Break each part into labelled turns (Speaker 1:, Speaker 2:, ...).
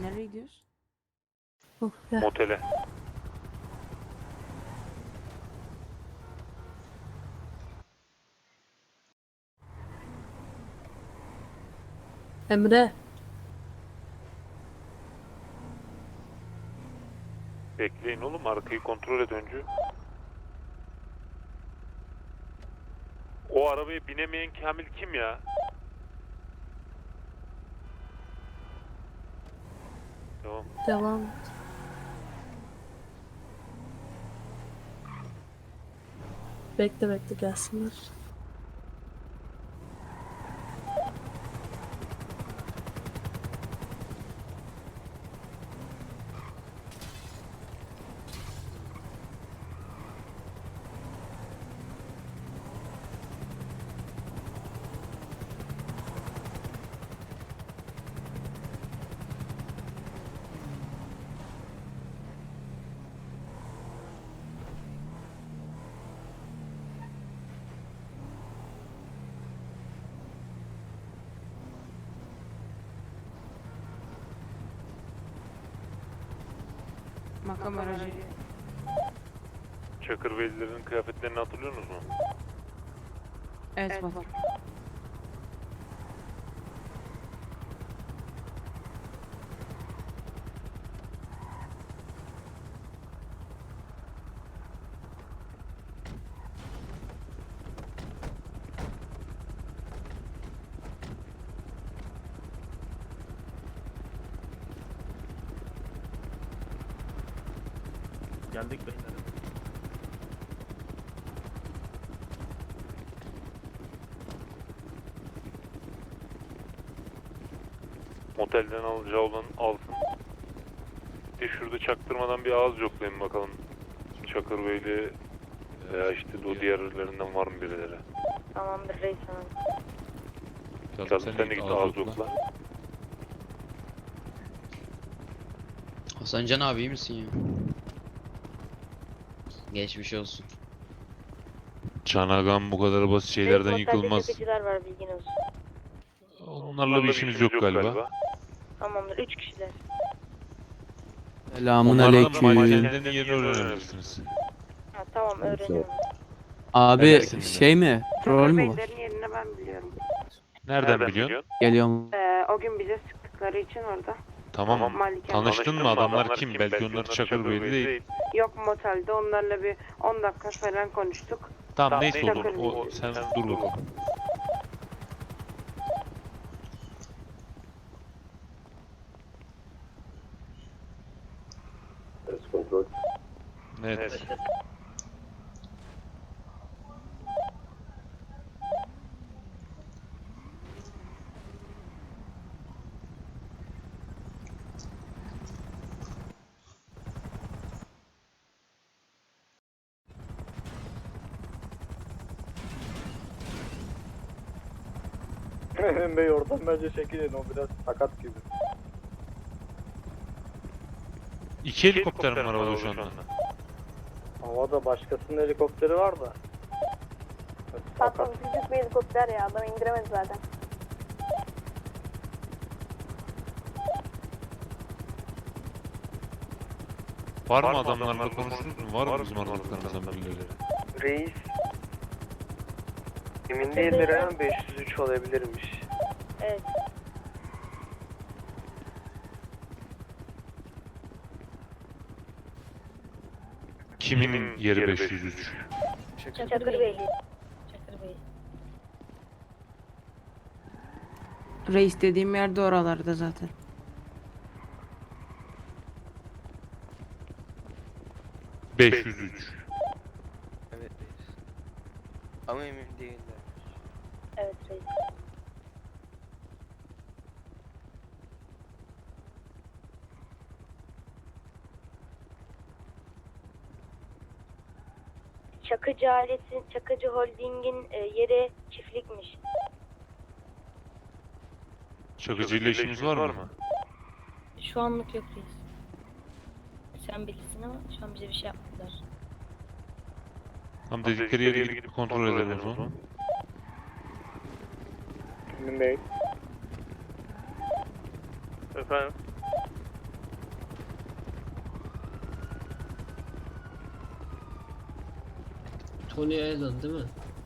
Speaker 1: Nereye gidiyoruz?
Speaker 2: Motele.
Speaker 3: Emre.
Speaker 2: Bekleyin oğlum, arkayı kontrol et önce. O arabaya binemeyen Kamil kim ya? Tamam.
Speaker 3: Devam. Bekle gelsinler.
Speaker 1: Makam aracı.
Speaker 2: Çakırvelilerin kıyafetlerini hatırlıyorsunuz mu?
Speaker 1: Evet, baba.
Speaker 4: Geldik beyler.
Speaker 2: Motelden alacağı olan alsın. Bir de şurada çaktırmadan bir ağız yoklayın bakalım. Çakırveli veya işte o diğerlerinden var mı birileri?
Speaker 5: Tamamdır reis hanım.
Speaker 2: Kazım sen de git ağız yokla.
Speaker 6: Hasancan abi iyi misin ya? Geçmiş olsun.
Speaker 2: Çanagan bu kadar basit şeylerden
Speaker 5: Reis, otelde
Speaker 2: yıkılmaz.
Speaker 5: çakıcılar var bilgin olsun.
Speaker 2: Onlarla bir işimiz yok galiba.
Speaker 5: Tamamdır 3 kişiler.
Speaker 7: Selamun
Speaker 2: Onlarla
Speaker 7: aleyküm.
Speaker 2: mahallenin yerini öğrenebilirsiniz.
Speaker 5: Ha, tamam öğreniyorum.
Speaker 7: Abi
Speaker 2: Neredesin
Speaker 7: şey mi? Rol mü bu?
Speaker 5: Beylerin yerini ben biliyorum.
Speaker 2: Nereden biliyorsun?
Speaker 7: Geliyorum.
Speaker 5: O gün bize sıktıkları için orada.
Speaker 2: Tamam.
Speaker 5: Malikan.
Speaker 2: Tanıştın mı? Adamlar kim? Belki onlar Çakırveli değil.
Speaker 5: Yok motelde onlarla bir 10 dakika falan konuştuk.
Speaker 2: Tamam neyse olur.
Speaker 5: Çakırveli.
Speaker 2: O, sen dur bakalım. Evet.
Speaker 4: Emin Bey oradan bence çekilin, o biraz sakat gibi.
Speaker 2: İki helikopter mi var havada şu anda?
Speaker 4: Havada başkasının helikopteri var da.
Speaker 5: Patron küçük bir helikopter ya adam indiremez zaten.
Speaker 2: Var mı adamlarla konuştunuz mu? Var mı bizim aralıklarımızdan birileri?
Speaker 8: Reis emin değildir ama 503 olabilirmiş.
Speaker 5: Evet.
Speaker 2: Kimin yeri 503?
Speaker 5: Çakır Bey. Çakır Bey.
Speaker 1: Reis dediğim yerde oralarda zaten.
Speaker 2: Beş yüz üç.
Speaker 8: Evet reis. Ama emin değiller.
Speaker 5: Evet reis. Çakıcı ailesi, Çakıcı Holding'in yeri çiftlikmiş.
Speaker 2: Çakıcıyla işimiz var mı?
Speaker 5: Şu anlık yok reis. Sen bilirsin ama şu an bize bir şey yapmadılar.
Speaker 2: Tam dedikleri yere gidip kontrol edelim o zaman.
Speaker 4: Emin Bey.
Speaker 8: Efendim?
Speaker 9: Tony Allen değil mi?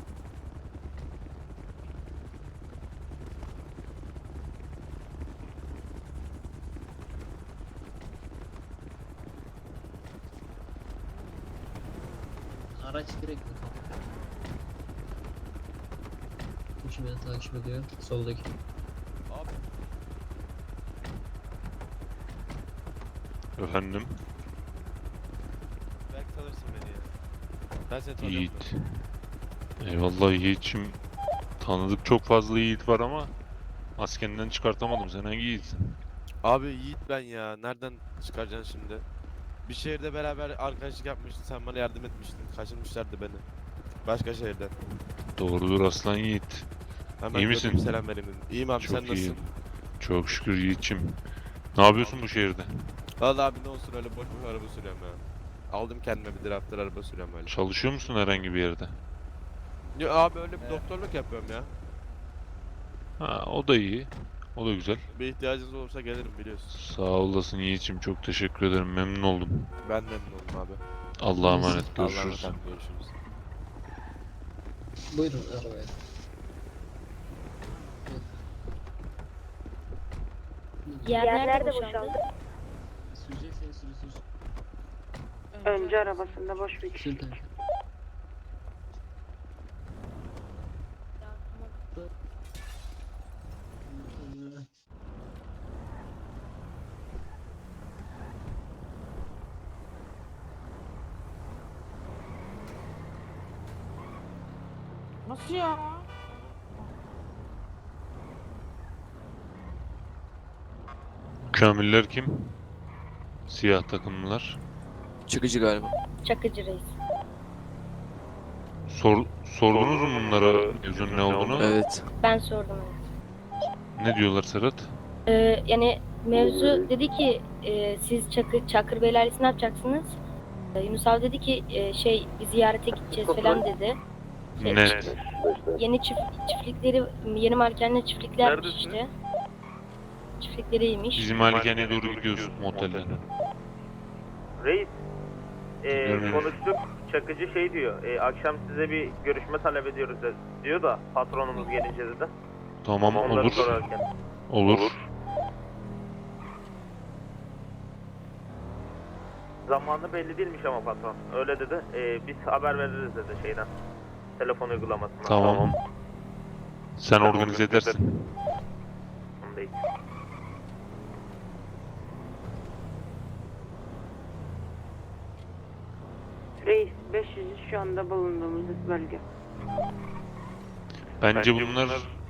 Speaker 9: Araç direkt mi? Kim beni takip ediyor? Soldaki.
Speaker 2: Efendim?
Speaker 10: Belki tanırsın beni ya. Ben seni tanıyorum.
Speaker 2: Yiğit. Eyvallah Yiğit'cim. Tanıdık çok fazla Yiğit var ama maskenden çıkartamadım. Sen hangi Yiğit'sin?
Speaker 10: Abi Yiğit ben ya. Nereden çıkaracaksın şimdi? Bir şehirde beraber arkadaşlık yapmıştık. Sen bana yardım etmiştin. Kaçırmışlardı beni. Başka şehirden.
Speaker 2: Doğrudur aslan Yiğit.
Speaker 10: Hemen
Speaker 2: İyi
Speaker 10: gördüm,
Speaker 2: misin?
Speaker 10: selam vereyim dedim. İyiyim abi, sen
Speaker 2: Çok iyi.
Speaker 10: nasılsın?
Speaker 2: Çok şükür Yiğit'cim. Ne yapıyorsun bu şehirde?
Speaker 10: Vallahi abi ne olsun, öyle boş boş araba sürüyorum ya. Aldım kendime bir drafter araba sürüyorum öyle.
Speaker 2: Çalışıyor musun herhangi bir yerde?
Speaker 10: Ya abi öyle bir doktorluk yapıyorum ya.
Speaker 2: Ha, o da iyi. O da güzel.
Speaker 10: Bir ihtiyacınız olursa gelirim, biliyorsun.
Speaker 2: Sağ olasın Yiğit'cim. Çok teşekkür ederim. Memnun oldum.
Speaker 10: Ben de memnun oldum abi.
Speaker 2: Allah'a emanet.
Speaker 10: Allah'a
Speaker 2: Görüşürüz.
Speaker 10: emanet, görüşürüz.
Speaker 9: Buyurun arabaya.
Speaker 5: Yer nerede boşaldı?
Speaker 9: Sürecekseniz sürüsünüz.
Speaker 1: Önce arabasında boş bir kişi.
Speaker 9: Sür kanka.
Speaker 1: Nasıl ya?
Speaker 2: Kamiller kim? Siyah takımlılar.
Speaker 8: Çıkıcı galiba.
Speaker 5: Çakıcı reis.
Speaker 2: Sordunuz mu bunlara mevzunun ne olduğunu?
Speaker 8: Evet.
Speaker 5: Ben sordum evet.
Speaker 2: Ne diyorlar Serhat?
Speaker 5: Yani mevzu dedi ki siz Çakır Bey'le ailesi ne yapacaksınız? Yunus abi dedi ki bir ziyarete gideceğiz falan dedi.
Speaker 2: Ne?
Speaker 5: Yeni çiftlikleri, yeni malikaneler çiftliklermiş işte. Çiftlikleriymiş.
Speaker 2: Bizim malikaneye doğru gidiyoruz motelden.
Speaker 4: Reis,
Speaker 2: Görmüyorum.
Speaker 4: konuştuk. Çakıcı şey diyor, akşam size bir görüşme talep ediyoruz diyor da patronumuz gelince dedi.
Speaker 2: Tamam
Speaker 4: Onları
Speaker 2: olur.
Speaker 4: sorarken.
Speaker 2: Olur.
Speaker 4: Zamanı belli değilmiş ama patron. Öyle dedi. Biz haber veririz dedi şeyden. Telefon uygulamasından.
Speaker 2: Tamam. Sen organize edersin.
Speaker 4: Onu değil.
Speaker 1: Reis 500 şu anda bulunduğumuz bölge.
Speaker 2: Bence bunlar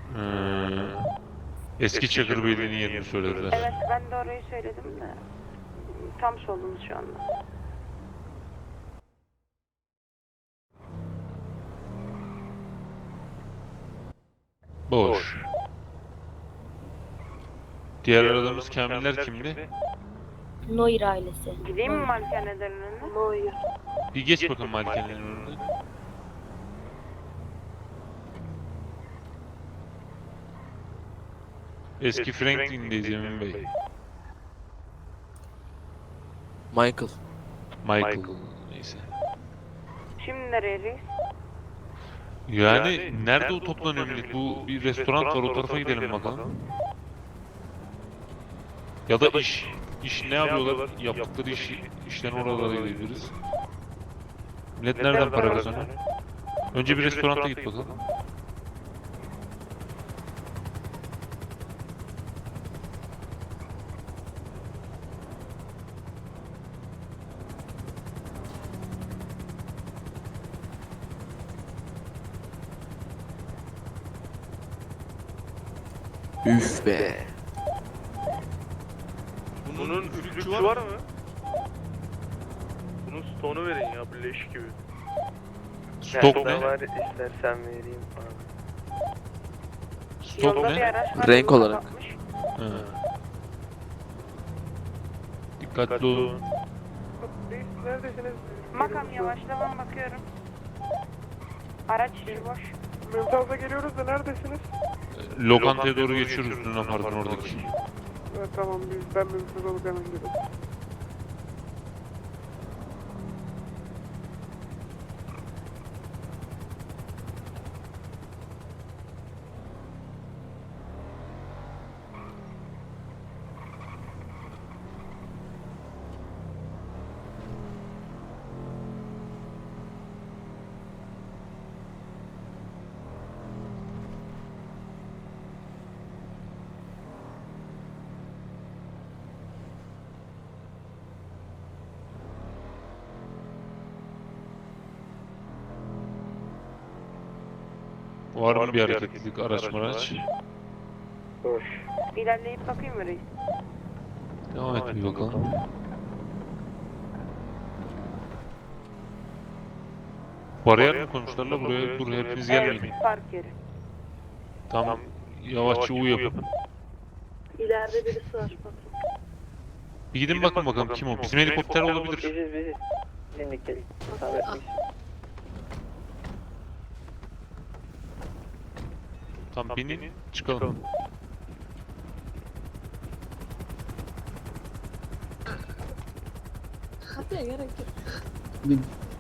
Speaker 2: eski Çakır Beyliği'nin yerini söylediler.
Speaker 1: Evet ben de orayı söyledim de tam solumuz şu anda.
Speaker 2: Boş. Diğer aradığımız Kamiller kimdi?
Speaker 5: Noir ailesi.
Speaker 1: Gideyim mi malikanelerin önüne?
Speaker 5: Noir.
Speaker 2: Bir geç bakalım malikanenin önüne. Eski Franklin'deyiz Emin Bey.
Speaker 8: Michael.
Speaker 2: Michael. Neyse.
Speaker 1: Şimdi nereye reis?
Speaker 2: Yani nerede o toplanıyor millet? Bu bir restoran var, o tarafa gidelim bakalım. Ya da iş. İş ne yapıyorlar? Yaptıkları işten oralara gidebiliriz. Millet nereden para kazanıyor? Önce bir restoranta git bakalım.
Speaker 8: Üf be.
Speaker 10: Bunun üflükçü var mı?
Speaker 4: Bunun stone'u verin ya, bir leş gibi.
Speaker 2: Stok
Speaker 8: Ne
Speaker 2: ne?
Speaker 8: var istersen vereyim abi.
Speaker 2: Stok
Speaker 1: Yolda bir
Speaker 2: ne?
Speaker 1: araç var,
Speaker 8: Renk
Speaker 1: yolu
Speaker 8: olarak.
Speaker 1: kapatmış.
Speaker 2: Ha. Dikkatli olun.
Speaker 4: Neredesiniz?
Speaker 1: Makam yavaşla, ben bakıyorum. Araç içi boş.
Speaker 4: Mümtaz'a geliyoruz da neredesiniz?
Speaker 2: Lokantaya doğru geçiyoruz Luna Park'ın oradaki.
Speaker 4: Evet, tamam, ben Mümtaz olup hemen geliyorum.
Speaker 2: Var mı bir hareketlilik araç maraç?
Speaker 1: İlerleyip bakayım mı reis?
Speaker 2: Devam et bir bakalım. Bariyer mi konuşlarla buraya hepiniz gelmeyin.
Speaker 1: Evet, park yeri.
Speaker 2: Tam yavaşça U yapın.
Speaker 3: İleride birisi var. Bakın.
Speaker 2: Bir gidin bakın bakalım kim o. Bizim helikopter olabilir.
Speaker 8: Biziz. Dinlik gel.
Speaker 2: Tam binin çıkalım.
Speaker 3: Hadi gerek yok.
Speaker 9: Bin.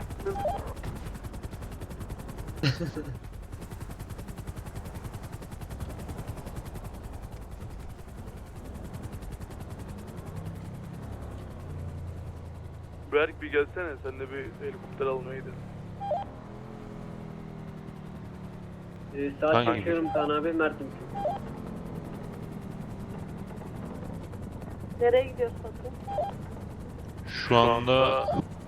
Speaker 10: Berk bir gelsene, sen de bir helikopter almaya gidelim.
Speaker 2: Saat Hangi bakıyorum
Speaker 9: Kaan abi Mert'im.
Speaker 3: Nereye gidiyoruz bakın?
Speaker 2: Şu anda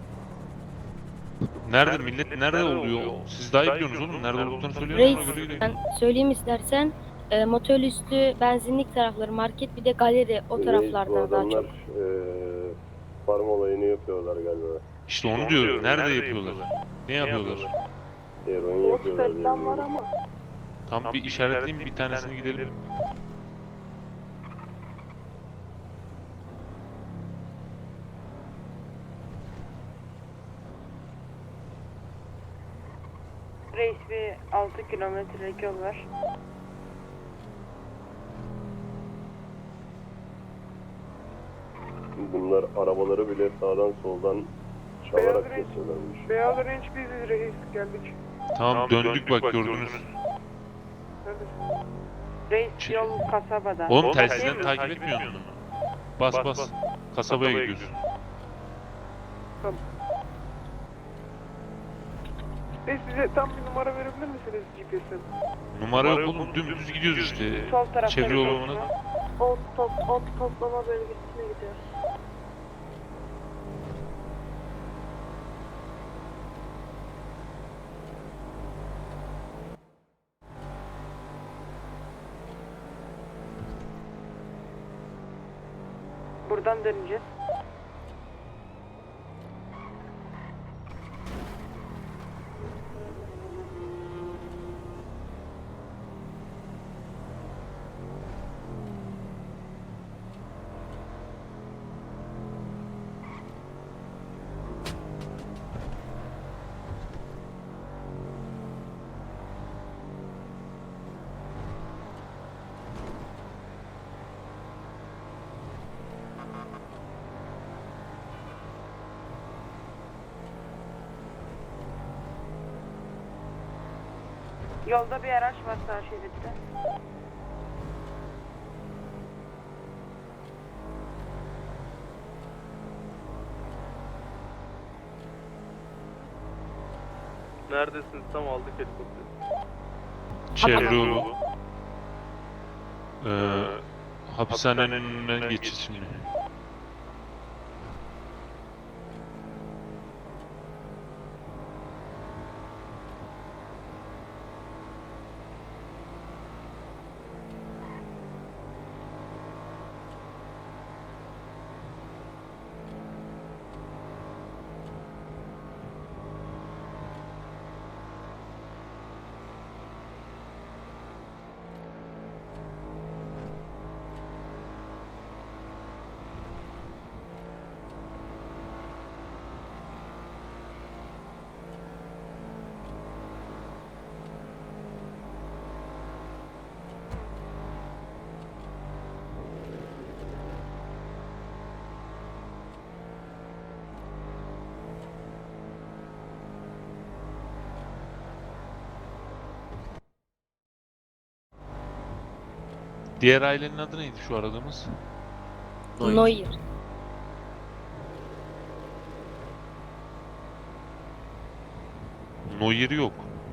Speaker 2: nerede millet nerede oluyor? Siz daha iyi biliyorsunuz oğlum. Nerede olduklarını söyleyin.
Speaker 5: Reis,
Speaker 2: ona göre gidelim.
Speaker 5: ben söyleyeyim istersen. Motel üstü benzinlik tarafları, market, bir de galeri, o taraflarda daha çok.
Speaker 11: Farm olayını yapıyorlar galiba.
Speaker 2: İşte onu diyorum. Nerede yapıyorlar? Ne yapıyorlar?
Speaker 11: Eroin yapıyorlar diye
Speaker 3: Falan var
Speaker 11: biliyorum.
Speaker 3: ama.
Speaker 2: Tam bir işaretleyin bir tanesini gidelim.
Speaker 1: Reis bir 6 kilometrelik yol var.
Speaker 11: Bunlar arabaları bile sağdan soldan çalarak geçiyorlarmış.
Speaker 1: Beyaz Range biziz reis, geldik.
Speaker 2: Tamam döndük bak gördünüz.
Speaker 1: Reis yol kasabada.
Speaker 2: Oğlum telsizden takip etmiyor musun? Bas. Kasabaya gidiyorsun.
Speaker 1: Reis bize tam bir numara verebilir misiniz GPS'ten?
Speaker 2: Numara yok oğlum dümdüz gidiyoruz işte.
Speaker 1: Sol tarafta.
Speaker 2: Çevre yoluna.
Speaker 3: Ot toplama bölgesine gidiyoruz.
Speaker 1: Buradan döneceğiz. Yolda bir araç var sağ şeritte.
Speaker 10: Neredesiniz? Tam aldık helikopteri.
Speaker 2: Çevre yolu. Hapishanenin önünden geçeceğiz şimdi. Diğer ailenin adı neydi şu aradığımız?
Speaker 5: Noir.
Speaker 2: Noyer yok.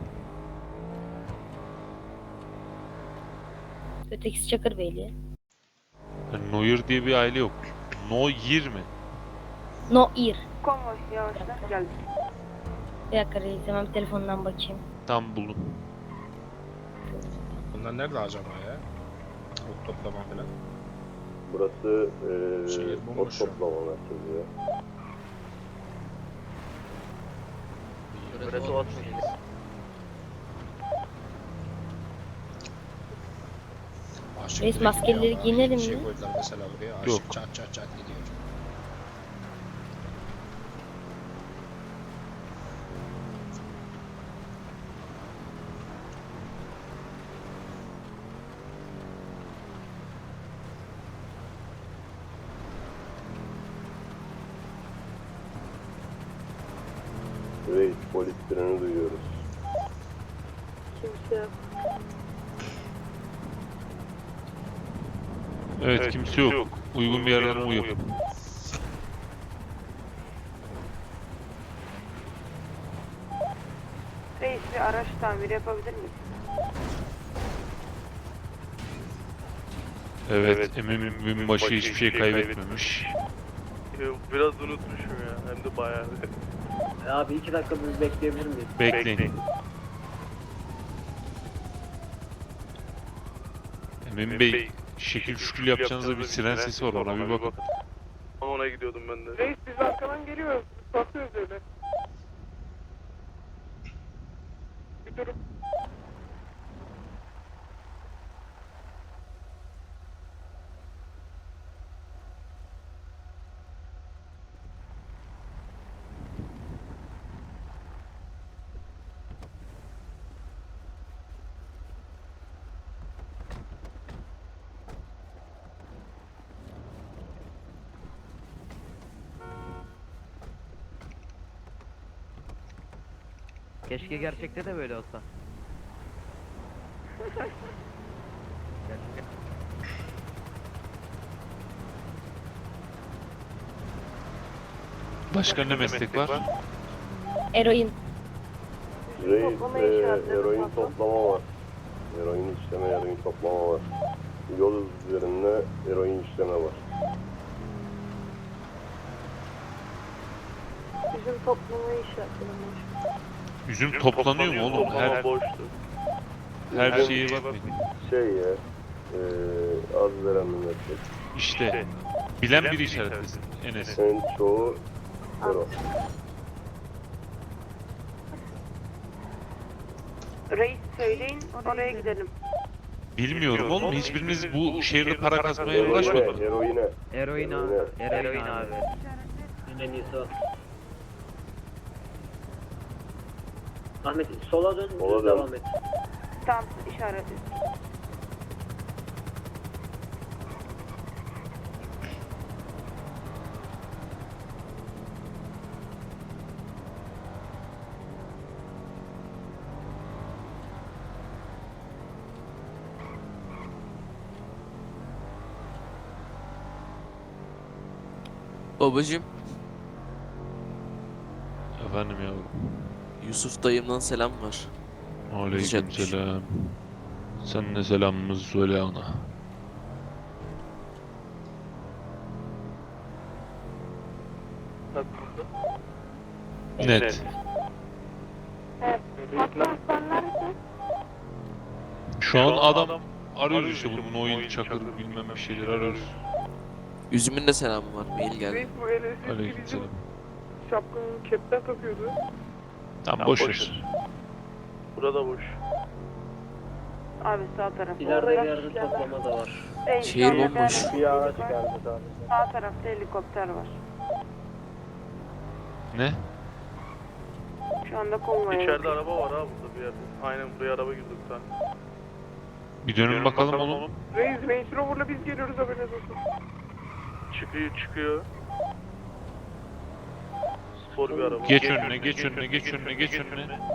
Speaker 5: Ötekisi Çakırbeyli.
Speaker 2: Yani Noyer diye bir aile yok. Noyer mi?
Speaker 5: Noir.
Speaker 1: Konvoy yavaşla geldik.
Speaker 5: Bir dakika reis, hemen bir telefondan bakayım.
Speaker 2: Tam buldum.
Speaker 12: Bunlar nerede acaba ya? Ot toplama falan.
Speaker 11: Burası
Speaker 12: Şehir
Speaker 11: ot
Speaker 12: bomboş şu an.
Speaker 11: toplama merkezi ya.
Speaker 9: Burası ot mu?
Speaker 12: Aşık
Speaker 5: Reis,
Speaker 12: direkt
Speaker 5: maskelileri
Speaker 12: gidiyor.
Speaker 5: giyinelim
Speaker 12: Şey
Speaker 5: mi?
Speaker 12: koydular mesela buraya. Aşık
Speaker 2: Yok.
Speaker 12: çat çat çat gidiyor.
Speaker 11: Reis polis treni duyuyoruz.
Speaker 3: Kimse yok.
Speaker 2: Evet, kimse yok. Uygun bir yerden uyup.
Speaker 1: Reis bir araç tamiri yapabilir miyiz?
Speaker 2: Evet, Emin binbaşı hiçbir şey kaybetmemiş.
Speaker 4: Biraz unutmuşum ya. Hem de bayağı.
Speaker 8: Abi 2 dakika bir bekleyebilir miyiz?
Speaker 2: Bekleyin. Emin Bey, şekil şükül yapacağınızda bir siren sesi var, ona bir bakın.
Speaker 4: Ona gidiyordum ben de.
Speaker 1: Reis biz arkadan geliyoruz. Bakıyoruz öyle. Bir durum.
Speaker 8: Keşke gerçekte de böyle olsa.
Speaker 2: Başka ne meslek var?
Speaker 5: Eroin.
Speaker 11: Reis
Speaker 3: Toplama işaretleri
Speaker 11: eroin
Speaker 3: patron.
Speaker 11: toplama var. Eroin işleme, eroin toplama var. Yol üzerinde eroin işleme var.
Speaker 3: Bizim toplamayı işaretledim.
Speaker 2: Üzüm toplanıyor mu oğlum? Her şeye bakmayın.
Speaker 11: Şey ya, az veren bir meslek.
Speaker 2: İşte, bilen biri işaretlesin Enes.
Speaker 11: En çoğu ero.
Speaker 1: Reis söyleyin oraya gidelim.
Speaker 2: Bilmiyorum oğlum, hiçbiriniz bu şehirde para kazmaya
Speaker 11: Eroine,
Speaker 2: uğraşmadınız.
Speaker 11: eroine.
Speaker 8: Eroin abi. Eroin abi. En iyisi o. Ahmet sola dön,
Speaker 11: Sola
Speaker 8: düz
Speaker 11: dön.
Speaker 8: devam et.
Speaker 1: Tam işaret.
Speaker 13: Babacım,
Speaker 2: Efendim yavrum.
Speaker 13: Yusuf dayımdan selam var.
Speaker 2: Aleykümselam. Sen de selamımızı söyle ona. Net.
Speaker 1: Patron sen neredesin?
Speaker 2: Şu an adam arıyoruz işte bunun oyun çakır bilmem bir şeyler arıyoruz.
Speaker 13: Üzüm'ün de selamı var. Mail geldi.
Speaker 1: Bu LSS
Speaker 2: Aleykümselam.
Speaker 1: şapkanın kepten takıyordu.
Speaker 2: Tamam boş ver.
Speaker 4: Burada boş.
Speaker 1: Abi sağ taraf.
Speaker 8: İleride bir yerde toplama da var.
Speaker 13: Şehir bomboş.
Speaker 8: Bir araç geldi daha.
Speaker 1: Sağ tarafta helikopter var.
Speaker 2: Ne?
Speaker 1: Şu anda konvoya.
Speaker 4: İçeride araba var ha burada bir yerde. Aynen buraya araba girdi bir tane.
Speaker 2: Bir dönün bakalım oğlum.
Speaker 1: Reis Range Rover'la biz geliyoruz haberiniz olsun.
Speaker 4: Çıkıyor. Spor bir araba.
Speaker 2: Geç önüne, geç önüne, geç önüne, geç önüne.